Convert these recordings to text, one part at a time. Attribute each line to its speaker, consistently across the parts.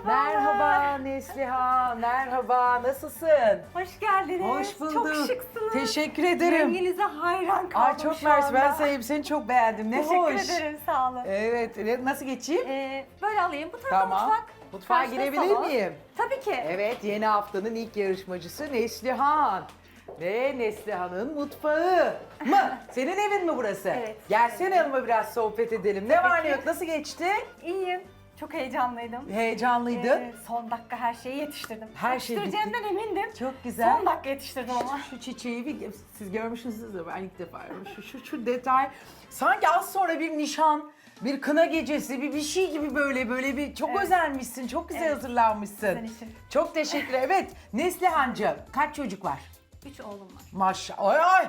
Speaker 1: Merhaba Neslihan, merhaba. Nasılsın?
Speaker 2: Hoş geldiniz.
Speaker 1: Hoş bulduk.
Speaker 2: Çok şıksınız.
Speaker 1: Teşekkür ederim.
Speaker 2: Renginize hayran kaldım
Speaker 1: Ay çok
Speaker 2: şu
Speaker 1: mersi. Ben
Speaker 2: anda.
Speaker 1: seni çok beğendim. Ne
Speaker 2: Teşekkür
Speaker 1: hoş.
Speaker 2: ederim, sağ olun.
Speaker 1: Evet, nasıl geçeyim?
Speaker 2: Böyle alayım. Bu tarafa
Speaker 1: Tamam.
Speaker 2: mutfak.
Speaker 1: Mutfağa
Speaker 2: karşıda
Speaker 1: girebilir
Speaker 2: salon.
Speaker 1: miyim?
Speaker 2: Tabii ki.
Speaker 1: Evet, yeni haftanın ilk yarışmacısı Neslihan. Ve Neslihan'ın mutfağı mı? Senin evin mi burası?
Speaker 2: Evet.
Speaker 1: Gelsene yanıma biraz sohbet edelim. Ne var ne yok, nasıl geçti?
Speaker 2: İyiyim. Çok heyecanlıydım.
Speaker 1: Heyecanlıydın.
Speaker 2: Son dakika her şeyi yetiştirdim.
Speaker 1: Her şey
Speaker 2: Yetiştireceğimden emindim.
Speaker 1: Çok güzel.
Speaker 2: Son dakika yetiştirdim ama.
Speaker 1: Şu çiçeği siz görmüşsünüzdür, ben ilk defa görüyorum. Şu detay sanki az sonra bir nişan, bir kına gecesi, bir şey gibi böyle bir çok
Speaker 2: Evet.
Speaker 1: özenmişsin, çok güzel
Speaker 2: Evet.
Speaker 1: hazırlanmışsın.
Speaker 2: Sizin için.
Speaker 1: Çok teşekkür ederim. Evet, Neslihancığım kaç çocuk var?
Speaker 2: 3 oğlum var.
Speaker 1: Maşallah.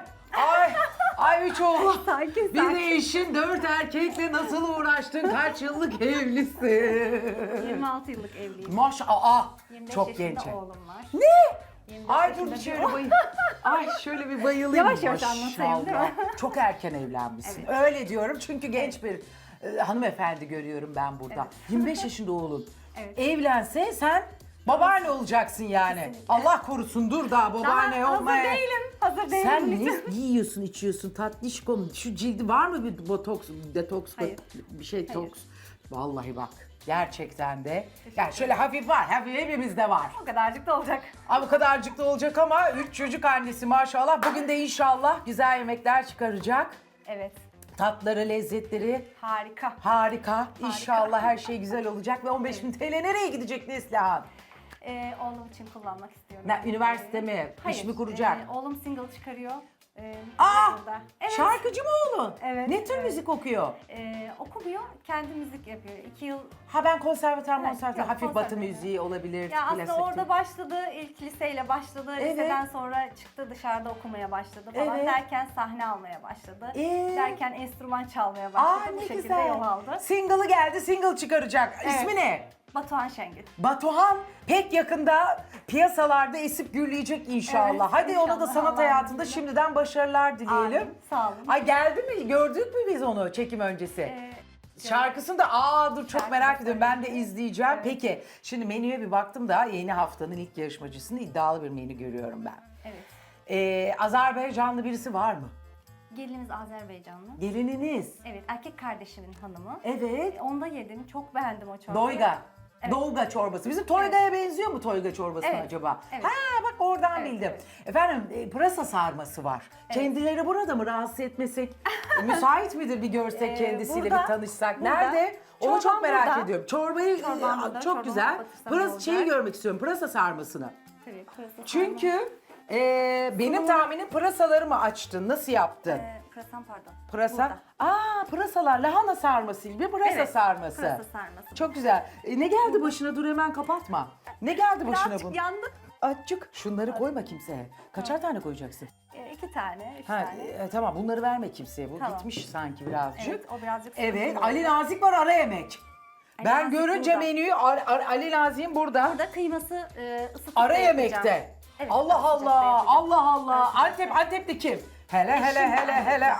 Speaker 1: Ay 3 oğlum.
Speaker 2: Sakin,
Speaker 1: Bir
Speaker 2: sakin.
Speaker 1: de eşin 4 erkekle nasıl uğraştın? Kaç yıllık evlisin?
Speaker 2: 26 yıllık evliyim.
Speaker 1: Maşallah.
Speaker 2: 25
Speaker 1: Çok
Speaker 2: yaşında
Speaker 1: genç.
Speaker 2: oğlum var.
Speaker 1: Ne?
Speaker 2: 25
Speaker 1: Ay dur
Speaker 2: yaşında
Speaker 1: bir
Speaker 2: bir
Speaker 1: şöyle
Speaker 2: oğlum.
Speaker 1: bayıl. Ay şöyle bir bayılayım.
Speaker 2: Yavaş yavaş anlatayım, değil mi?
Speaker 1: Maşallah. Çok erken evlenmişsin.
Speaker 2: Evet.
Speaker 1: Öyle diyorum çünkü genç bir hanımefendi görüyorum ben burada.
Speaker 2: Evet.
Speaker 1: 25 yaşında oğlun.
Speaker 2: Evet.
Speaker 1: Evlense sen babaanne olacaksın yani.
Speaker 2: Kesinlikle.
Speaker 1: Allah korusun dur daha babaanne
Speaker 2: Daha
Speaker 1: olmaya.
Speaker 2: hazır değilim. Hazır değilim.
Speaker 1: Sen
Speaker 2: lütfen.
Speaker 1: ne yiyorsun, içiyorsun tatlışkom? Şu cildi var mı bir botoks, detoks,
Speaker 2: Hayır.
Speaker 1: bir şey
Speaker 2: Hayır.
Speaker 1: toks? Vallahi bak gerçekten de. Yani şöyle hafif var, hafif hepimizde var.
Speaker 2: O kadarcık da olacak.
Speaker 1: Abi bu kadarcık da olacak ama 3 çocuk annesi maşallah. Bugün de inşallah güzel yemekler çıkaracak.
Speaker 2: Evet.
Speaker 1: Tatları, lezzetleri
Speaker 2: Harika.
Speaker 1: harika. İnşallah her şey güzel olacak ve 15.000 TL nereye gidecek Neslihan?
Speaker 2: Oğlum için kullanmak istiyorum.
Speaker 1: Üniversite mi?
Speaker 2: Hayır.
Speaker 1: İş mi kuracak?
Speaker 2: Oğlum single çıkarıyor.
Speaker 1: Aa!
Speaker 2: Burada. Evet.
Speaker 1: Şarkıcı mı oğlun?
Speaker 2: Evet,
Speaker 1: Ne tür
Speaker 2: evet.
Speaker 1: müzik okuyor?
Speaker 2: Okumuyor, kendi müzik yapıyor. 2 yıl.
Speaker 1: Ha ben konservatuar
Speaker 2: Evet,
Speaker 1: konservatuar
Speaker 2: yok,
Speaker 1: hafif batı
Speaker 2: konservatuar.
Speaker 1: müziği olabilir.
Speaker 2: Ya aslında
Speaker 1: klasik.
Speaker 2: orada başladı, ilk liseyle başladı.
Speaker 1: Evet.
Speaker 2: Liseden sonra çıktı dışarıda okumaya başladı falan.
Speaker 1: Evet.
Speaker 2: Derken sahne almaya başladı.
Speaker 1: Ee?
Speaker 2: Derken enstrüman çalmaya başladı.
Speaker 1: Aa
Speaker 2: Bu
Speaker 1: ne
Speaker 2: şekilde
Speaker 1: güzel.
Speaker 2: yol aldı.
Speaker 1: Single'ı geldi, single çıkaracak.
Speaker 2: Evet.
Speaker 1: İsmi ne?
Speaker 2: Batuhan Şengül.
Speaker 1: Batuhan pek yakında piyasalarda esip gürleyecek inşallah.
Speaker 2: Evet,
Speaker 1: Hadi ona da
Speaker 2: inşallah.
Speaker 1: sanat
Speaker 2: Allah'ın
Speaker 1: hayatında
Speaker 2: izniyle.
Speaker 1: şimdiden başarılar dileyelim.
Speaker 2: Amin, sağ olun.
Speaker 1: Ay geldi mi? Gördük mü biz onu çekim öncesi? Şarkısını da dur çok
Speaker 2: Şarkı
Speaker 1: merak
Speaker 2: da
Speaker 1: ediyorum. Ben de
Speaker 2: söyleyeyim.
Speaker 1: izleyeceğim.
Speaker 2: Evet.
Speaker 1: Peki şimdi menüye bir baktım da yeni haftanın ilk yarışmacısını iddialı bir menü görüyorum ben.
Speaker 2: Evet.
Speaker 1: Azerbaycanlı birisi var mı?
Speaker 2: Gelinimiz Azerbaycanlı.
Speaker 1: Gelininiz.
Speaker 2: Evet, erkek kardeşimin hanımı.
Speaker 1: Evet.
Speaker 2: Onda yedim, çok beğendim o çorbayı.
Speaker 1: Doyga.
Speaker 2: Evet.
Speaker 1: Dolga çorbası. Bizim Toyga'ya benziyor mu Toyga çorbası
Speaker 2: Evet.
Speaker 1: acaba?
Speaker 2: Evet.
Speaker 1: Ha bak oradan
Speaker 2: Evet,
Speaker 1: bildim.
Speaker 2: evet.
Speaker 1: Efendim pırasa sarması var. Kendileri burada mı rahatsız etmesek? Müsait midir bir görsek kendisiyle
Speaker 2: burada,
Speaker 1: bir tanışsak?
Speaker 2: burada.
Speaker 1: Nerede? Onu çok
Speaker 2: Çorbam
Speaker 1: merak
Speaker 2: burada.
Speaker 1: ediyorum. Çorbayı
Speaker 2: Çorbam burada,
Speaker 1: çok
Speaker 2: çorbamı
Speaker 1: güzel.
Speaker 2: kapatırsam
Speaker 1: Pırasa
Speaker 2: olacak.
Speaker 1: şeyi görmek istiyorum. Pırasa sarmasını.
Speaker 2: Tabii, pırasa
Speaker 1: Çünkü benim
Speaker 2: Sunumu-
Speaker 1: tahminim pırasalarımı açtın. Nasıl yaptın?
Speaker 2: Pırasam pardon.
Speaker 1: Pırasa.
Speaker 2: Burada.
Speaker 1: Pırasalar lahana sarması gibi pırasa
Speaker 2: Evet,
Speaker 1: sarması.
Speaker 2: pırasa sarması.
Speaker 1: Çok güzel. Ne geldi başına? Dur hemen kapatma. Ne geldi başına
Speaker 2: Birazcık
Speaker 1: bunun?
Speaker 2: yandık.
Speaker 1: Açık. Şunları koyma kimseye. Kaçar tane koyacaksın?
Speaker 2: 2 tane, 3
Speaker 1: Ha,
Speaker 2: tane.
Speaker 1: tamam bunları verme kimseye. Bu
Speaker 2: Tamam.
Speaker 1: bitmiş sanki birazcık.
Speaker 2: Evet, o birazcık
Speaker 1: Evet,
Speaker 2: sıkıntılı
Speaker 1: Ali
Speaker 2: oldu.
Speaker 1: Nazik var ara yemek.
Speaker 2: Ali
Speaker 1: Ben
Speaker 2: Nazik
Speaker 1: görünce
Speaker 2: burada.
Speaker 1: menüyü Ali Nazik'in burada.
Speaker 2: Burada kıyması ısıtıp
Speaker 1: Ara
Speaker 2: da yapacağım.
Speaker 1: yemekte.
Speaker 2: Evet,
Speaker 1: Allah
Speaker 2: ara sıcakta
Speaker 1: Allah,
Speaker 2: yapacağım.
Speaker 1: Allah Allah.
Speaker 2: Ara sıcakta.
Speaker 1: Antepli kim? Hele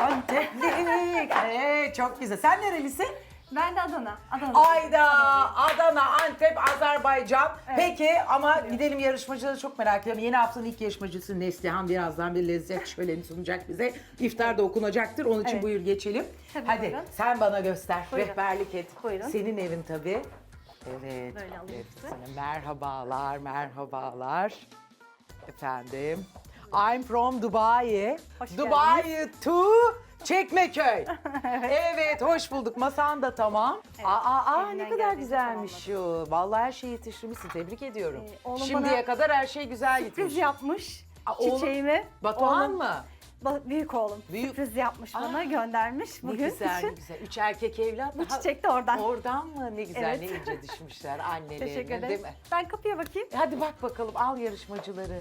Speaker 1: Antepli. Çok güzel. Sen nerelisin?
Speaker 2: Ben de Adana. Adana.
Speaker 1: Ayda, Adana, Antep, Azerbaycan.
Speaker 2: Evet.
Speaker 1: Peki ama gidelim yarışmacıları çok merak ediyorum. Yeni haftanın ilk yarışmacısı Neslihan birazdan bir lezzet şöleni sunacak bize. İftar da okunacaktır. Onun için
Speaker 2: Evet.
Speaker 1: buyur geçelim.
Speaker 2: Tabii,
Speaker 1: Hadi
Speaker 2: buyurun.
Speaker 1: sen bana göster.
Speaker 2: Buyurun.
Speaker 1: Rehberlik et.
Speaker 2: Buyurun.
Speaker 1: Senin evin tabii. Evet.
Speaker 2: Böyle alayım
Speaker 1: evet.
Speaker 2: size.
Speaker 1: Sana merhabalar, merhabalar. Efendim. I'm from Dubai.
Speaker 2: Hoş
Speaker 1: Dubai to Çekmeköy. Evet, hoş bulduk. Masan da tamam.
Speaker 2: Evet,
Speaker 1: Ne
Speaker 2: elimden
Speaker 1: kadar
Speaker 2: geldiğince
Speaker 1: güzelmiş şu. Vallahi her şeyi yetiştirmişsin. Tebrik ediyorum.
Speaker 2: Oğlum
Speaker 1: Şimdiye
Speaker 2: bana
Speaker 1: kadar her şey güzel
Speaker 2: Sürpriz
Speaker 1: gitmiş.
Speaker 2: yapmış.
Speaker 1: Oğlum,
Speaker 2: Çiçeğimi.
Speaker 1: Batuhan
Speaker 2: Oğlum-
Speaker 1: mı?
Speaker 2: Büyük oğlum.
Speaker 1: Büyük-
Speaker 2: Sürpriz yapmış bana,
Speaker 1: Aa,
Speaker 2: göndermiş
Speaker 1: Ne
Speaker 2: bugün
Speaker 1: güzel, ne
Speaker 2: için.
Speaker 1: güzel. 3 erkek evlat.
Speaker 2: Bu
Speaker 1: Daha-
Speaker 2: çiçek de oradan.
Speaker 1: Oradan mı? Ne güzel,
Speaker 2: Evet.
Speaker 1: ne ince düşmüşler annelerine,
Speaker 2: Teşekkür
Speaker 1: değil
Speaker 2: ederim.
Speaker 1: mi?
Speaker 2: Ben kapıya bakayım.
Speaker 1: Hadi bak bakalım, al yarışmacıları.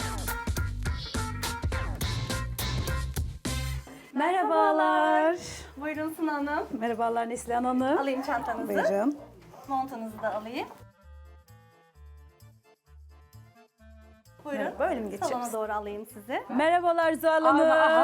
Speaker 3: Merhabalar.
Speaker 2: Buyurun Suna Hanım.
Speaker 3: Merhabalar Neslihan Hanım.
Speaker 2: Alayım çantanızı.
Speaker 3: Buyurun.
Speaker 2: Montunuzu da alayım. Buyurun.
Speaker 3: Böyle mi geçeceğiz?
Speaker 2: Salona doğru alayım sizi.
Speaker 3: Merhabalar Zuhal Hanım.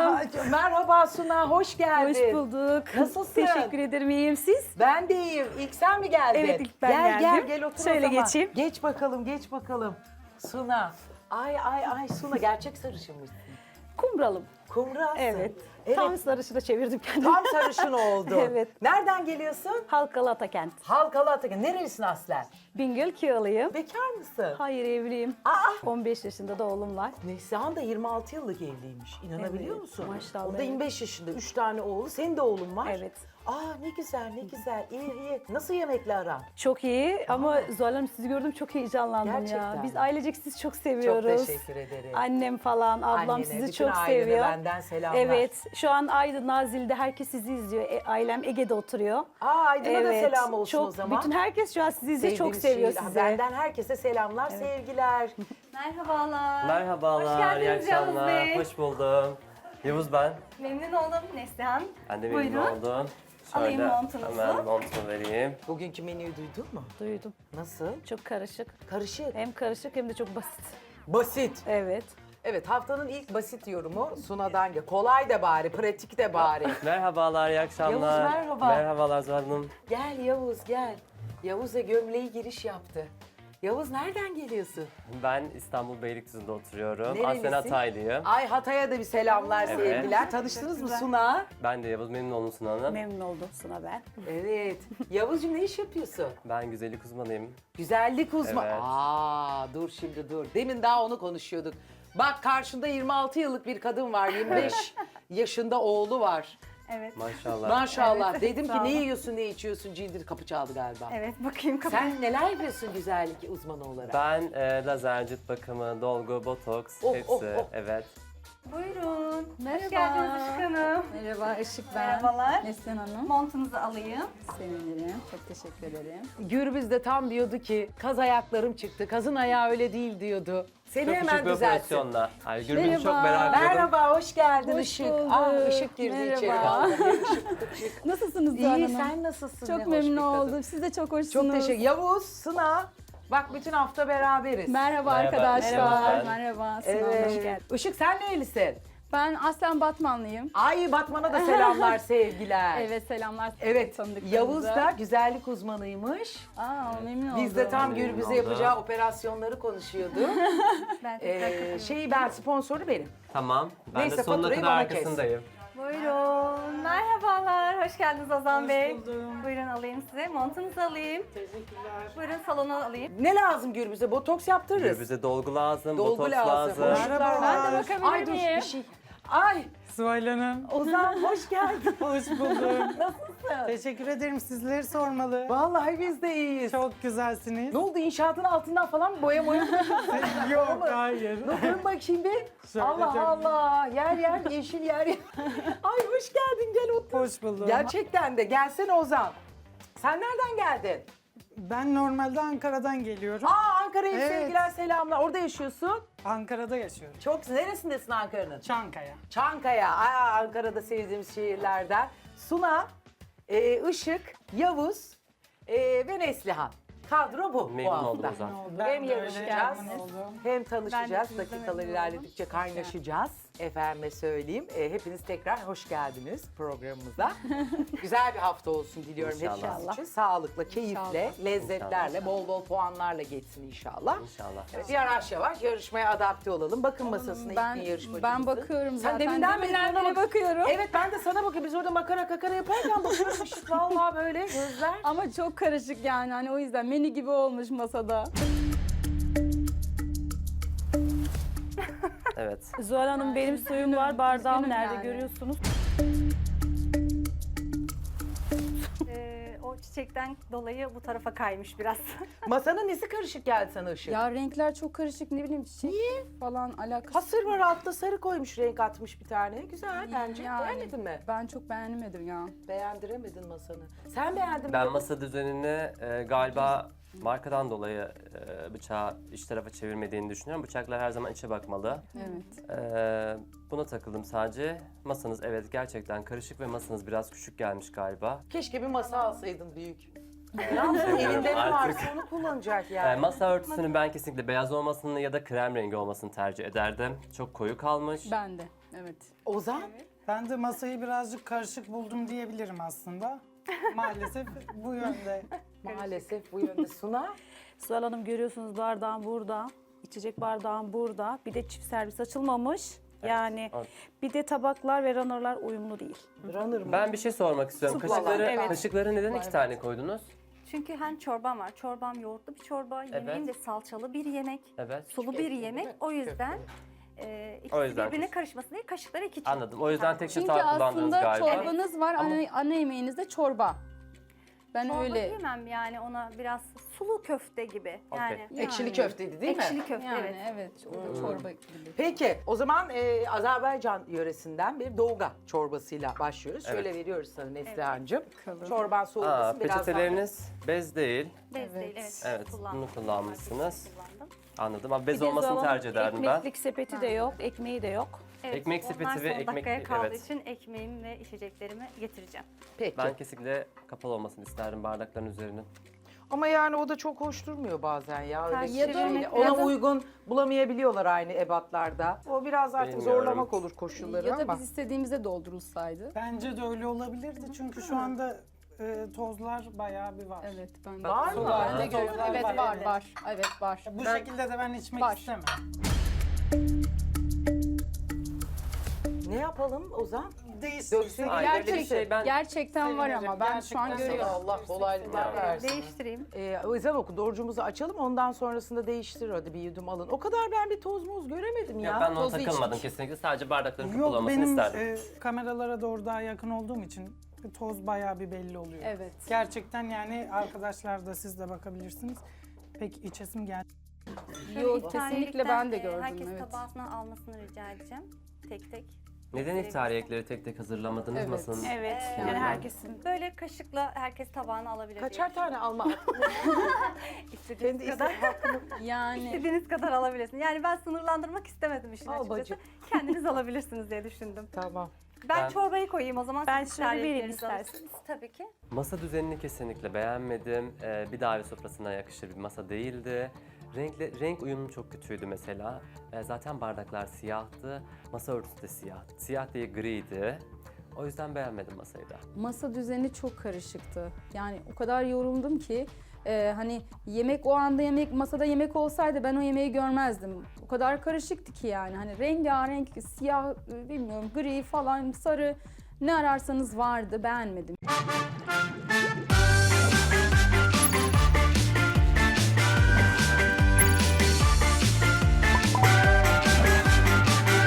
Speaker 1: Merhaba Suna, hoş geldin.
Speaker 3: Hoş bulduk.
Speaker 1: Nasılsın?
Speaker 3: Teşekkür ederim, iyiyim siz?
Speaker 1: Ben de iyiyim. İlk sen mi geldin?
Speaker 3: Evet, ilk ben
Speaker 1: gel,
Speaker 3: geldim.
Speaker 1: Gel otur
Speaker 3: Şöyle
Speaker 1: o zaman.
Speaker 3: geçeyim.
Speaker 1: Geç bakalım. Suna. Ay Suna gerçek sarışınmışsın.
Speaker 3: Kumralım.
Speaker 1: Kumralsın.
Speaker 3: Evet.
Speaker 1: Evet.
Speaker 3: Tam sarışına çevirdim kendimi.
Speaker 1: Tam sarışın oldu.
Speaker 3: Evet.
Speaker 1: Nereden geliyorsun?
Speaker 3: Halkalı Atakent.
Speaker 1: Halkalı Atakan. Nerelisin aslen?
Speaker 3: Bingöl Kiyalıyım.
Speaker 1: Bekar mısın?
Speaker 3: Hayır, evliyim.
Speaker 1: Aa!
Speaker 3: 15 yaşında da oğlum var.
Speaker 1: Neslihan da 26 yıllık evliymiş. İnanabiliyor
Speaker 3: Evet,
Speaker 1: musun?
Speaker 3: maşallah,
Speaker 1: O da
Speaker 3: evet.
Speaker 1: 25 yaşında. 3 tane oğlu. Senin de oğlun var.
Speaker 3: Evet.
Speaker 1: Ne güzel. İyi. Nasıl yemekle aran?
Speaker 3: Çok iyi ama Zuhal Hanım sizi gördüm çok heyecanlandım
Speaker 1: Gerçekten
Speaker 3: ya. Biz
Speaker 1: mi?
Speaker 3: ailecek sizi çok seviyoruz.
Speaker 1: Çok teşekkür ederim.
Speaker 3: Annem falan, ablam
Speaker 1: Annene,
Speaker 3: sizi
Speaker 1: bütün
Speaker 3: çok
Speaker 1: ailene
Speaker 3: seviyor.
Speaker 1: benden selamlar.
Speaker 3: Evet, şu an Aydın Nazilli'de herkes sizi izliyor. Ailem Ege'de oturuyor.
Speaker 1: Aydın'a da selam olsun
Speaker 3: çok,
Speaker 1: o zaman.
Speaker 3: Bütün herkes şu an sizi izliyor, çok
Speaker 1: Sevdiğimiz
Speaker 3: seviyor
Speaker 1: şiir.
Speaker 3: sizi.
Speaker 1: Benden herkese selamlar, sevgiler.
Speaker 2: Merhabalar.
Speaker 4: Merhabalar,
Speaker 2: Hoş
Speaker 4: iyi
Speaker 2: geldiniz Yavuz
Speaker 4: akşamlar.
Speaker 2: Bey.
Speaker 4: Hoş buldum. Yavuz ben.
Speaker 2: Memnun oldum Neslihan.
Speaker 4: Ben de memnun
Speaker 2: Buyurun.
Speaker 4: oldum.
Speaker 2: Alayım montunuzu.
Speaker 4: Hemen montumu vereyim.
Speaker 1: Bugünkü menüyü duydun mu?
Speaker 3: Duydum.
Speaker 1: Nasıl?
Speaker 3: Çok karışık.
Speaker 1: Karışık.
Speaker 3: Hem karışık hem de çok basit.
Speaker 1: Basit.
Speaker 3: Evet.
Speaker 1: Evet, haftanın ilk basit yorumu Suna'dan gel. Kolay da bari, pratik de bari.
Speaker 4: Merhabalar, iyi akşamlar.
Speaker 1: Yavuz, merhaba.
Speaker 4: Merhabalar Zuhal Hanım.
Speaker 1: Gel Yavuz, gel. Yavuz da gömleği giriş yaptı. Yavuz nereden geliyorsun?
Speaker 4: Ben İstanbul Beylikdüzü'nde oturuyorum.
Speaker 1: Nerelisin?
Speaker 4: Aslen Hataylıyım.
Speaker 1: Ay Hatay'a da bir selamlar,
Speaker 4: Evet.
Speaker 1: sevgiler. Tanıştınız mı Suna?
Speaker 4: Ben de Yavuz, memnun oldum Suna Hanım.
Speaker 3: Memnun oldum Suna ben.
Speaker 1: Evet. Yavuzcuğum ne iş yapıyorsun?
Speaker 4: Ben güzellik uzmanıyım.
Speaker 1: Güzellik uzmanı.
Speaker 4: Evet.
Speaker 1: Dur şimdi dur. Demin daha onu konuşuyorduk. Bak karşında 26 yıllık bir kadın var. 25 yaşında oğlu var.
Speaker 2: Evet.
Speaker 4: Maşallah.
Speaker 1: Maşallah.
Speaker 2: Evet,
Speaker 1: Dedim
Speaker 2: sağ
Speaker 1: ki ne
Speaker 2: olun.
Speaker 1: yiyorsun, ne içiyorsun? Cildir kapı çaldı galiba.
Speaker 2: Evet bakayım kapı.
Speaker 1: Sen neler yapıyorsun güzellik uzmanı olarak?
Speaker 4: Ben lazer, cilt bakımı, dolgu, botoks,
Speaker 1: Oh,
Speaker 4: hepsi.
Speaker 1: oh, oh.
Speaker 4: Evet.
Speaker 2: Buyurun.
Speaker 5: Merhaba.
Speaker 2: Hoş geldiniz Işık Hanım.
Speaker 5: Merhaba Işık ben.
Speaker 2: Merhabalar.
Speaker 5: Neslihan Hanım.
Speaker 2: Montunuzu alayım.
Speaker 5: Sevinirim. Çok teşekkür ederim.
Speaker 1: Gürbüz de tam diyordu ki kaz ayaklarım çıktı. Kazın ayağı öyle değil diyordu. Seni
Speaker 4: Çok
Speaker 1: hemen
Speaker 4: küçük bir
Speaker 1: düzeltsin.
Speaker 4: operasyonla. Ay, Gürbüz'ü çok
Speaker 5: Merhaba.
Speaker 4: merak ediyordum.
Speaker 1: Merhaba, hoş geldin
Speaker 5: Hoş
Speaker 1: Işık.
Speaker 5: bulduk.
Speaker 1: Işık girdi içeri.
Speaker 5: Merhaba.
Speaker 1: Vallahi Işık.
Speaker 5: Nasılsınız Zuhal
Speaker 1: İyi,
Speaker 5: Hanım?
Speaker 1: sen nasılsın?
Speaker 5: Çok
Speaker 1: Ne hoş
Speaker 5: memnun
Speaker 1: bir kadın.
Speaker 5: oldum. Siz de çok hoşsunuz.
Speaker 1: Çok teşekkür. Yavuz, Sına. Bak bütün hafta beraberiz.
Speaker 5: Merhaba
Speaker 4: Merhaba.
Speaker 5: arkadaşlar.
Speaker 4: Merhaba.
Speaker 5: Merhaba. Sinan Hanım. Hoş
Speaker 1: Evet.
Speaker 5: geldin.
Speaker 1: Işık sen nerelisin?
Speaker 5: Ben aslen Batmanlıyım.
Speaker 1: Ay Batman'a da selamlar, sevgiler.
Speaker 5: Evet selamlar.
Speaker 1: Evet,
Speaker 5: tanıdıklarınıza.
Speaker 1: Yavuz da güzellik uzmanıymış.
Speaker 5: Aa, memnun oldum.
Speaker 1: Biz de tam
Speaker 4: Memnun
Speaker 1: Gürbüz'e
Speaker 4: oldum.
Speaker 1: yapacağı operasyonları konuşuyorduk.
Speaker 2: Ben tekrar katılıyorum.
Speaker 1: Ben sponsoru benim.
Speaker 4: Tamam. Ben
Speaker 1: Neyse,
Speaker 4: de sonuna
Speaker 1: faturayı
Speaker 4: kadar
Speaker 1: bana kes.
Speaker 4: arkasındayım.
Speaker 2: Buyurun. Merhabalar. Hoş geldiniz Ozan Bey. Buyurun alayım size. Montunuzu alayım. Teşekkürler. Buyurun salona alayım.
Speaker 1: Ne lazım Gürbüz'e? Botoks yaptırırız.
Speaker 4: Gürbüz'e dolgu lazım,
Speaker 1: Dolgu
Speaker 4: botoks
Speaker 1: lazım.
Speaker 4: lazım.
Speaker 1: boşluklar
Speaker 5: Ben de
Speaker 1: lazım.
Speaker 5: bakabilir
Speaker 1: Ay dur
Speaker 5: miyim?
Speaker 1: bir şey. Ay
Speaker 6: Zuhal Hanım,
Speaker 1: Ozan hoş geldin.
Speaker 6: hoş buldum.
Speaker 1: Nasılsın?
Speaker 6: Teşekkür ederim. Sizleri sormalı.
Speaker 1: Vallahi biz de iyiyiz.
Speaker 6: Çok güzelsiniz.
Speaker 1: Ne oldu inşaatın altından falan mı boya moya?
Speaker 6: Yok, hayır.
Speaker 1: Dön bakayım bir.
Speaker 6: Şöyle
Speaker 1: Allah
Speaker 6: çok-
Speaker 1: Allah. Yer yeşil yer. Ay hoş geldin gel otur.
Speaker 6: Hoş buldum.
Speaker 1: Gerçekten de gelsene Ozan. Sen nereden geldin?
Speaker 6: Ben normalde Ankara'dan geliyorum.
Speaker 1: Ankara'ya
Speaker 6: Evet.
Speaker 1: sevgiler selamlar. Orada yaşıyorsun.
Speaker 6: Ankara'da yaşıyorum.
Speaker 1: Çok neresindesin Ankara'nın?
Speaker 6: Çankaya.
Speaker 1: Çankaya. Ankara'da sevdiğimiz şehirlerden. Suna, Işık, Yavuz ve Neslihan. Kadro bu
Speaker 4: Memnun
Speaker 1: hafta.
Speaker 4: oldum Ozan.
Speaker 6: Ben
Speaker 1: Hem
Speaker 6: de öyle
Speaker 1: yarışacağız,
Speaker 6: memnun oldum.
Speaker 1: hem tanışacağız.
Speaker 2: Ben de sizinle
Speaker 1: Dakikalar
Speaker 2: memnun
Speaker 1: ilerledikçe kaynaşacağız. Efendime söyleyeyim. Hepiniz tekrar hoş geldiniz programımıza. Güzel bir hafta olsun diliyorum
Speaker 4: İnşallah.
Speaker 1: hepiniz için. Sağlıkla, keyifle, lezzetlerle, bol bol puanlarla geçsin inşallah.
Speaker 4: İnşallah.
Speaker 1: Evet, yavaş yavaş yarışmaya adapte olalım. Bakın masasına ilk gün yarışmacımızın.
Speaker 5: Ben bakıyorum
Speaker 1: Sen
Speaker 5: zaten.
Speaker 1: deminden beri bana
Speaker 5: beri bakıyorum.
Speaker 1: Evet ben de sana bakıyorum. Biz orada makara kakara yaparken bakıyorum Işık vallahi böyle gözler.
Speaker 5: Ama çok karışık yani. Hani o yüzden menü gibi olmuş masada.
Speaker 4: Evet.
Speaker 3: Zuhal Hanım benim suyum var, bardağım
Speaker 5: Üzgünüm
Speaker 3: nerede
Speaker 5: yani.
Speaker 3: görüyorsunuz?
Speaker 2: O çiçekten dolayı bu tarafa kaymış biraz.
Speaker 1: Masanın nesi karışık geldi sana Işık?
Speaker 5: Ya renkler çok karışık. Ne bileyim çiçek falan alakası.
Speaker 1: Hasır var altta sarı koymuş renk atmış bir tane. Güzel bence.
Speaker 5: Yani.
Speaker 1: Beğenmedin mi?
Speaker 5: Ben çok beğenemedim ya.
Speaker 1: Beğendiremedin masanı. Sen beğendin mi?
Speaker 4: Ben masa düzenini galiba markadan dolayı bıçağı iç tarafa çevirmediğini düşünüyorum. Bıçaklar her zaman içe bakmalı.
Speaker 5: Evet.
Speaker 4: Buna takıldım sadece. Masanız evet gerçekten karışık ve masanız biraz küçük gelmiş galiba.
Speaker 1: Keşke bir masa alsaydın büyük. Ne yapsın? Elinde ne
Speaker 4: Artık.
Speaker 1: varsa onu kullanacak yani.
Speaker 4: Masa örtüsünün ben kesinlikle beyaz olmasını ya da krem rengi olmasını tercih ederdim. Çok koyu kalmış.
Speaker 5: Ben de. Evet.
Speaker 1: Ozan?
Speaker 6: Ben de masayı birazcık karışık buldum diyebilirim aslında. Maalesef bu yönde.
Speaker 1: Maalesef bu yönde. Suna?
Speaker 3: Zuhal Hanım görüyorsunuz bardağım burada. İçecek bardağım burada. Bir de çift servis açılmamış. Yani
Speaker 4: evet.
Speaker 3: bir de tabaklar ve runner'lar uyumlu değil.
Speaker 1: Runner mı?
Speaker 4: Ben bir şey sormak istiyorum.
Speaker 3: Suplalar, evet.
Speaker 4: Kaşıkları neden 2 tane koydunuz?
Speaker 2: Çünkü hem çorbam var. Çorbam yoğurtlu bir çorba. Yemeğim de salçalı bir yemek.
Speaker 4: Evet.
Speaker 2: Sulu bir yemek. O yüzden ikisi
Speaker 4: O yüzden
Speaker 2: birbirine karışmasın diye kaşıkları iki
Speaker 4: Anladım. O yüzden tek
Speaker 5: Çünkü
Speaker 4: çatal kullandınız
Speaker 5: aslında
Speaker 4: galiba.
Speaker 5: çorbanız var, ana yemeğinizde çorba. Ben
Speaker 2: Çorba
Speaker 5: öyle
Speaker 2: diyemem yani ona biraz sulu köfte gibi. Yani,
Speaker 1: Ekşili köfteydi değil mi?
Speaker 2: ekşili köfte
Speaker 5: yani
Speaker 2: evet.
Speaker 5: evet, çorba gibi.
Speaker 1: Peki o zaman Azerbaycan yöresinden bir doğuga çorbasıyla başlıyoruz.
Speaker 4: Evet.
Speaker 1: Şöyle veriyoruz sana Neslihan'cığım.
Speaker 5: Bakalım.
Speaker 1: Çorban soğumasın biraz daha.
Speaker 4: Peçeteleriniz bez değil.
Speaker 2: Bez
Speaker 5: Evet.
Speaker 2: değil evet.
Speaker 4: Evet,
Speaker 2: Kullandım.
Speaker 4: bunu kullanmışsınız.
Speaker 2: Kullandım.
Speaker 4: Anladım ama bez
Speaker 3: Bir de
Speaker 4: olmasını
Speaker 3: Zuhal Hanım,
Speaker 4: tercih ederdim ben.
Speaker 3: Ekmeklik sepeti de yok, ekmeği de yok.
Speaker 2: Evet,
Speaker 4: Ekmek
Speaker 2: onlar
Speaker 4: sepeti ve
Speaker 2: son
Speaker 4: ekmek-
Speaker 2: dakikaya kaldığı
Speaker 4: evet.
Speaker 2: için ekmeğimi ve içeceklerimi getireceğim.
Speaker 1: Peki.
Speaker 4: Ben kesinlikle kapalı olmasını isterdim bardakların üzerinin.
Speaker 1: Ama yani o da çok hoş durmuyor bazen ya. Öyle
Speaker 2: Ters
Speaker 1: ya
Speaker 2: çevirmek
Speaker 1: ona
Speaker 2: biraz da-
Speaker 1: uygun bulamayabiliyorlar aynı ebatlarda. O biraz artık
Speaker 4: Bilmiyorum.
Speaker 1: zorlamak olur koşulları
Speaker 5: Ya da
Speaker 1: ama.
Speaker 5: biz istediğimizde doldurulsaydı.
Speaker 6: Bence de öyle olabilirdi çünkü şu anda tozlar bayağı bir var.
Speaker 5: Evet, ben
Speaker 1: Var mı?
Speaker 5: Ben de gördüm.
Speaker 6: Tozlar
Speaker 5: Evet,
Speaker 6: var,
Speaker 5: var,
Speaker 6: evet.
Speaker 5: var. Evet, var.
Speaker 6: Bu şekilde de ben içmek
Speaker 5: Var.
Speaker 6: istemem.
Speaker 1: Ne yapalım Ozan?
Speaker 6: Değişsin.
Speaker 1: Döksün.
Speaker 4: Ay, öyle bir şey ben-
Speaker 5: Gerçekten var ama ben şu an
Speaker 6: Gerçekten
Speaker 5: görüyorum.
Speaker 1: Allah kolaylıklar versin.
Speaker 2: Değiştireyim.
Speaker 1: Ezan oku, orucumuzu açalım ondan sonrasında değiştir hadi bir yudum alın. O kadar ben bir toz moz göremedim ya.
Speaker 4: Yok, ben ona
Speaker 5: tozu
Speaker 4: takılmadım
Speaker 5: içmiş.
Speaker 4: kesinlikle. Sadece bardakların kapalı
Speaker 6: Yok
Speaker 4: olmasını
Speaker 6: benim
Speaker 4: isterdim.
Speaker 6: kameralara doğru daha yakın olduğum için toz bayağı bir belli oluyor.
Speaker 5: Evet.
Speaker 6: Gerçekten yani arkadaşlar da siz de bakabilirsiniz. Pek içesim geldi.
Speaker 2: Şöyle
Speaker 5: Yok,
Speaker 2: iftariyelikten,
Speaker 5: kesinlikle ben de gördüm,
Speaker 2: Herkes
Speaker 5: evet.
Speaker 2: tabağına almasını rica edeceğim. Tek tek.
Speaker 4: Neden iftariyekleri tek tek hazırlamadınız
Speaker 5: Evet.
Speaker 4: masanın?
Speaker 3: Evet, yani herkesin.
Speaker 2: Böyle kaşıkla herkes tabağına alabilir.
Speaker 1: Kaçar tane alma?
Speaker 2: İstediğiniz
Speaker 1: Kendi
Speaker 2: kadar.
Speaker 5: Yani
Speaker 2: İstediğiniz kadar alabilirsiniz. Yani ben sınırlandırmak istemedim işin
Speaker 1: Al
Speaker 2: açıkçası.
Speaker 1: bacım.
Speaker 2: Kendiniz alabilirsiniz diye düşündüm.
Speaker 1: Tamam.
Speaker 2: Ben çorbayı koyayım o zaman.
Speaker 3: Ben
Speaker 2: siz
Speaker 3: şöyle vereyim
Speaker 2: tariflerinizi alırsınız.
Speaker 3: isterseniz.
Speaker 2: Tabii ki.
Speaker 4: Masa düzenini kesinlikle beğenmedim. Bir davet sofrasına yakışır bir masa değildi. Renk uyumu çok kötüydü mesela. Zaten bardaklar siyahtı. Masa örtüsü de siyahtı. Siyah değil griydi. O yüzden beğenmedim masayı da.
Speaker 5: masa düzeni çok karışıktı. Yani o kadar yoruldum ki hani yemek o anda masada yemek olsaydı ben o yemeği görmezdim. O kadar karışıktı ki yani hani rengarenk siyah bilmiyorum gri falan sarı ne ararsanız vardı beğenmedim.